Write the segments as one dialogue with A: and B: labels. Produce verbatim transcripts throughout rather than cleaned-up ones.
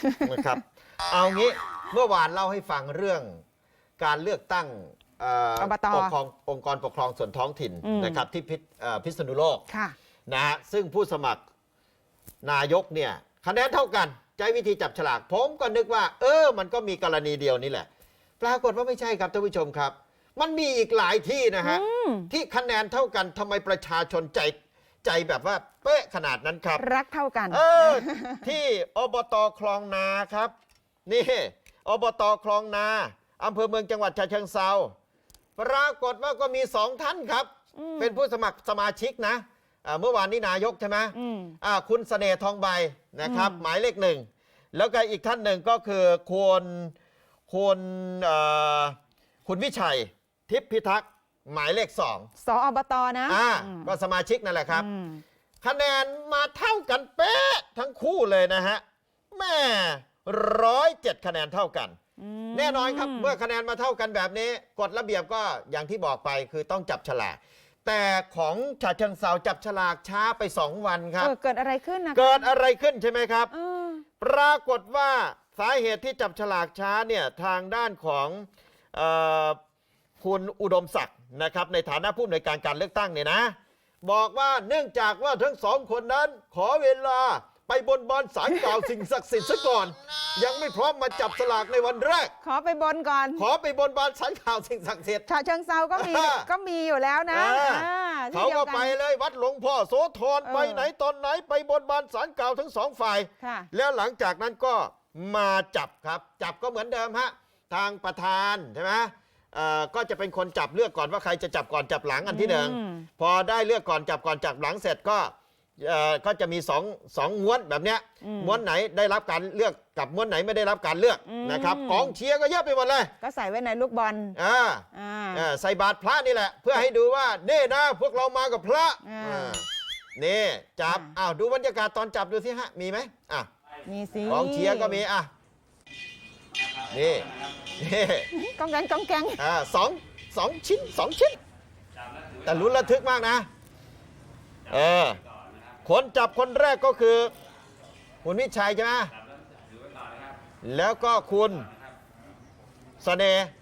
A: นะครับเอางี้เมื่อวานเล่าให้ฟังเรื่องการเลือกตั้ง
B: อบต.
A: ปกครององค์กรปกครองส่วนท้องถิ่นนะครับที่พิษพิษณุโลกนะฮะซึ่งผู้สมัครนายกเนี่ยคะแนนเท่ากันใช้วิธีจับฉลากผมก็นึกว่าเออมันก็มีกรณีเดียวนี่แหละปรากฏว่าไม่ใช่ครับท่านผู้ชมครับ มันมีอีกหลายที่นะฮะที่คะแนนเท่ากันทำไมประชาชนใจใจแบบว่าเป๊ะขนาดนั้นครับ
B: รักเท่ากัน
A: เออที่อบต.คลองนาครับนี่อบต.คลองนาอำเภอเมืองจังหวัดฉะเชิงเทราปรากฏว่าก็มีสองท่านครับเป็นผู้สมัครสมาชิกนะเมื่อวานนี้นายกใช่ไหมคุณเสน่ห์ทองใบนะครับหมายเลขหนึ่งแล้วก็อีกท่านหนึ่งก็คือคุณคุณคุณวิชัยทิพย์พิทักษ์หมายเลขสอง
B: สอบต.นะ
A: อ่าก็สมาชิกนั่นแหละครับคะแนนมาเท่ากันเป๊ะทั้งคู่เลยนะฮะแม่ร้อยเจ็ดคะแนนเท่ากันแน่นอนครับเมื่อคะแนนมาเท่ากันแบบนี้กฎระเบียบก็อย่างที่บอกไปคือต้องจับฉลากแต่ของฉะเชิงเทราจับฉลากช้าไปสองวันครับ
B: เออเกิดอะไรขึ้นนะ
A: เกิดอะไรขึ้นใช่ไหมครับปรากฏว่าสาเหตุที่จับฉลากช้าเนี่ยทางด้านของเอ่อคุณอุดมศักดิ์นะครับในฐานะผู้อำนวยการการเลือกตั้งเนี่ยนะบอกว่าเนื่องจากว่าทั้งสองคนนั้นขอเวลาไปบนบานศาลกล่าวสิ่งศักดิ์สิทธิ์ซะก่อนยังไม่พร้อมมาจับสลากในวันแรก
B: ขอไปบนก่อน
A: ขอไปบนบานศาลกล่าวสิ่งศักดิ์สิทธิ์
B: ฉะเชิงเทราก็มีก็มีอยู่แล้วนะ
A: เขาก็ไปเลยวัดหลวงพ่อโสธรไปไหนตอนไหนไปบนบานศาลกล่าวทั้งสองฝ่ายแล้วหลังจากนั้นก็มาจับครับจับก็เหมือนเดิมฮะทางประธานใช่ไหมก็จะเป็นคนจับเลือกก่อนว่าใครจะจับก่อนจับหลังอันที่หนึ่งพอได้เลือกก่อนจับก่อนจับหลังเสร็จก็ก็จะมีสองสองม้วนแบบเนี้ยม้วนไหนได้รับการเลือกกับม้วนไหนไม่ได้รับการเลือกนะครับกองเชียร์ก็เยอะไปหมดเลย
B: ก็ใส่ไว้ในลูกบอล
A: อ่าใส่บาตรพระนี่แหละเพื่อให้ดูว่านี่นะพวกเรามากับพระนี่จับอ้าวดูบรรยากาศตอนจับดูสิฮะมีไหมอ่ะ
B: มีสิ
A: กองเชียร์ก็มีอ่ะนี่
B: กองแกงกองแกง
A: อ่าสองสองชิ้นสองชิ้นแต่ลุ้นระทึกมากนะเออคนจับคนแรกก็คือคุณวิชัยใช่ไหมแล้วก็คุณเสน่ห์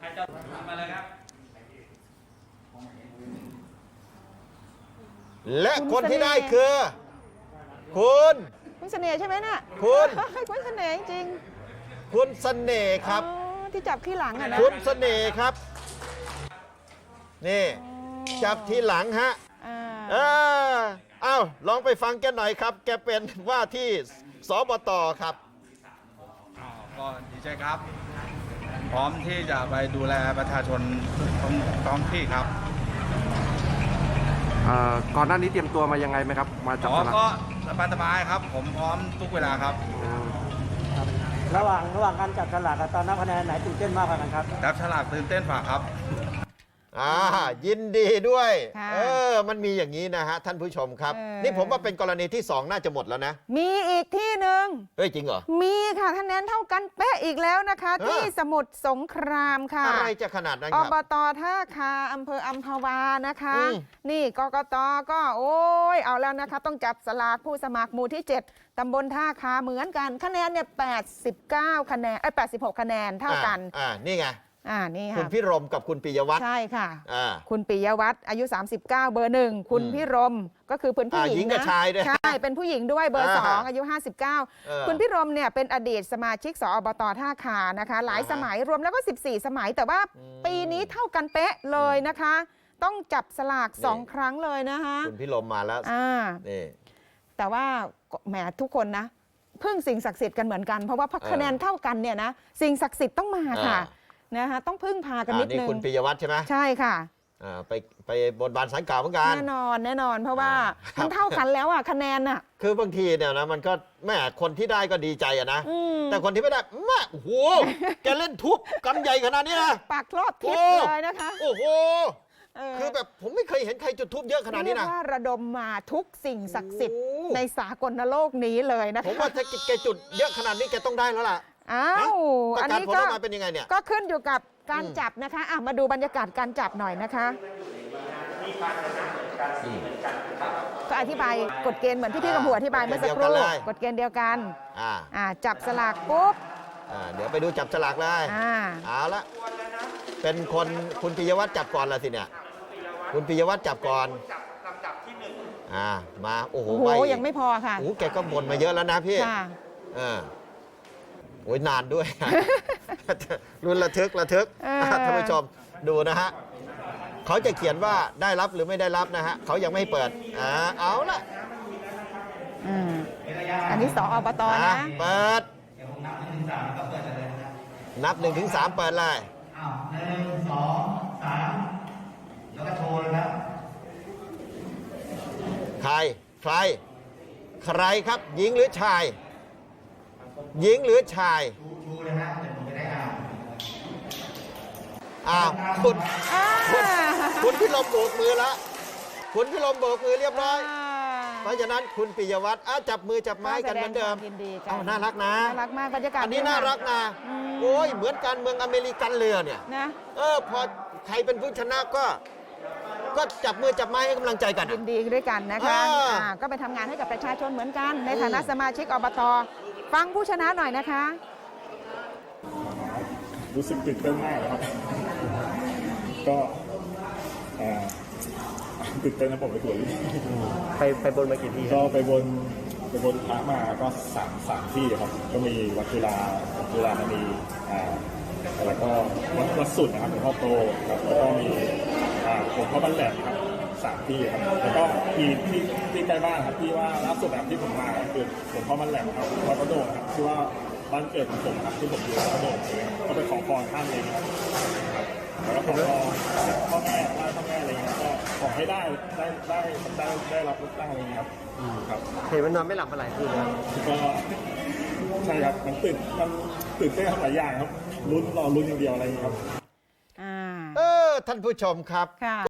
A: และคนที่ได้คือคุณ
B: คุณเสน่ห์ใช่ไหมน่ะ
A: คุณ
B: คุณเสน่ห์จริง
A: คุณเสน่ห์ครับ
B: ที่จับที่หลังอ่ะนะ
A: คุณเสน่ห์ครับนี่จับที่หลังฮะเอออ้าวลองไปฟังแกหน่อยครับแกเป็นว่าที่สบต.ครับ
C: ก็ดีใจครับพร้อมที่จะไปดูแลประชาชนท้องที่ครับ
D: ก่อนหน้านี้เตรียมตัวมายังไงไหมครับมาจับสลาก
C: ก็สบายๆครับผมพร้อมทุกเวลาครับ
E: ระหว่างระหว่างการจับฉลากกับตอนนับคะแนนไหนตื่นเต้นมากกว่ากันครับ
C: จับฉลากตื่นเต้นกว่าครับ
A: อ่ายินดีด้วยเออมันมีอย่างนี้นะฮะท่านผู้ชมครับนี่ผมว่าเป็นกรณีที่สองน่าจะหมดแล้วนะ
B: มีอีกที่หนึ่ง
A: เฮ้ยจริงเหรอ
B: มีค่ะคะแนนเท่ากันเป๊ะอีกแล้วนะคะที่สมุทรสงครามค่ะ
A: อะไรจะขนาดนั้นค
B: รับอบต.ท่าคาอำเภออัมพวานะคะนี่กกต.ก็โอ้ยเอาแล้วนะคะต้องจับสลากผู้สมัครหมู่ที่เจ็ดตำบลท่าคาเหมือนกันคะแนนเนี่ยแปดสิบเก้าคะแนนไอ้แปดสิบหกคะแนนเท่ากัน
A: อ่านี่ไง
B: อ่านี่ค่ะ
A: คุณพิรมกับคุณปิยวัฒน์
B: ใช่ค่ะคุณปิยวัฒน์อายุสามสิบเก้าเบอร์หนึ่งคุณพิรมก็คือเป็นผู้หญิง
A: นะ
B: ใช่เป็นผู้หญิงด้วยเบอร์สองอายุห้าสิบเก้าคุณพิรมเนี่ยเป็นอดีตสมาชิกสอบต.ท่าคานะคะหลายสมัยรวมแล้วก็สิบสี่สมัยแต่ว่าปีนี้เท่ากันเป๊ะเลยนะคะต้องจับสลากสองครั้งเลยนะคะ
A: คุณพิรมมาแล้ว
B: อ่าแต่ว่าแหมทุกคนนะพึ่งสิ่งศักดิ์สิทธิ์กันเหมือนกันเพราะว่าคะแนนเท่ากันเนี่ยนะสิ่งศักดิ์สิทธิ์ต้องมาค่ะนะคะต้องพึ่งพากันนิดนึง
A: นี่คุณปิยวัฒน์ใช่ไหม
B: ใช่ค่ะ
A: ไปไปบนบานศาลกล่าวเหมือนกัน
B: แน่นอนแน่นอนเพราะว่ามันเท่ากันแล้วอ่ะคะแนนอ่ะ
A: คือบางทีเนี่ยนะมันก็แม่คนที่ได้ก็ดีใจอะนะแต่คนที่ไม่ได้แม่โอ้โหแกเล่นทุบกันใหญ่ขนาดนี้นะ
B: ปากครอบทิศเลยนะคะ
A: โอ้โหคือแบบผมไม่เคยเห็นใครจุดทุบเยอะขนาดนี้นะ
B: ว่าระดมมาทุกสิ่งศักดิ์สิทธิ์ในสากลโลกนี้เลยนะคะ
A: ผมว่าถ้าแกจุดเยอะขนาดนี้แกต้องได้แล้วล่ะ
B: อ้าว
A: อันนี้ก็เป็นยังไงเนี่ย
B: ก็ขึ้นอยู่กับการจับนะคะอ่ะมาดูบรรยากาศการจับหน่อยนะคะก็อธิบายกฎเกณฑ์เหมือนที่พี่กำพูอธิบายเมื่อสักครู่กฎเกณฑ์เดียวกัน
A: อ่า
B: อ่าจับสลากปุ๊บ
A: อ่าเดี๋ยวไปดูจับฉลากเลย
B: อ่า
A: เอาละเป็นคนคุณปิยวัฒน์จับก่อนละสิเนี่ยคุณปิยวัฒน์จับก่อนอ่ามาโอ้โห
B: โอ้โห
A: ใบ
B: ยังไม่พอค่ะ
A: โอ้โหแกก็บ่นมาเยอะแล้วนะพี่
B: ค่ะ
A: เออโอ้ยนานด้วย รุนระทึกระทึก
B: เออ
A: ท่านผู้ชมดูนะฮะเขาจะเขียนว่าได้รับหรือไม่ได้รับนะฮะเขายังไม่เปิดอ่าเอาละ
B: อืมอันนี้สอบต
A: อ่ะ
B: นะ
A: เปิดนับหนึ่งถึงสามเปิดเลย
F: หนึ่งสองสามแล้วก็โชว์เลยครับ
A: ใครใคร ใครครับหญิงหรือชาย หญิงหรือชาย
F: ชูเลยฮะเดี๋ยวผมจะได้อ่าน
A: อ้าวคุณ
B: อ่า
A: คุณคุณพิรมโบกมือแล้วคุณพิรมโบกมือเรียบร้อย เพราะฉะนั้นคุณปิยวัฒน์อ่ะจับมือจับไม้กันเหมือนเดิม
B: แสดงความยินดีกัน
A: เอ้าน่ารักนะ
B: น่ารักมากบรรยากาศ
A: อันนี้
B: ดี
A: น่ารักนะ
B: อืม
A: โอ้ยเหมือนการเมืองอเมริกันเลยอะเนี่ย
B: นะ
A: เออพอใครเป็นผู้ชนะก็ ก็จับมือจับไม้ให้กำลังใจกัน
B: ยิ
A: อะ
B: นดีด้วยกันนะคะ
A: อ่า
B: อ่าก็ไปทำงานให้กับประชาชนเหมือนกัน ใน
A: อืม
B: ฐานะสมาชิกอบตฟังผู้ชนะหน่อยนะคะ
G: รู้สึกตื่นเต้นมากครับ ก็อ่าตื่นเต้นนะผมไปตรวจ
D: ไปไปบนมากี่ที่ค
G: ก็
D: รับ
G: ไปบนไปบนพระมาก็สามสามที่ครับ ก็มีวัดจุฬาวัดจุฬามณีอ่าแล้วก็วัดวัดสุดนะครับหลวงพ่อโตครับแล้วก็มีอ่าหลวงพ่อบ้านแหลมครับสามที่ครับ แล้วก็มีที่ที่ใกล้บ้านครับที่ว่าล่าสุดแบบที่ผมมาก็คือหลวงพ่อบ้านแหลมครับวัดพระโดดครับที่ว่าบ้านเกิดของผมครับที่ผมอยู่วัดพระโดดเลยครับก็ไปขอพรท่านเองครับ แล้วก็ขอพรพ่อแม่ไหว้พ่อแม่อะไรเงี้ยก็ขอให้ได้ได้ได้ได้ได้รับเลือกตั้งอะไรเงี้ยครับครับ
D: เห็นมันนอนไม่หลับมาหลายคืนแล้ว
G: ก็ใช่ครับมันตื่นมันตื่นเต้นหลายอย่างครับลุ้นรอลุ้นอย่างเดียวอะไรเงี้ยครับ
B: อ่า
A: เออท่านผู้ชมครับ
B: ค่ะ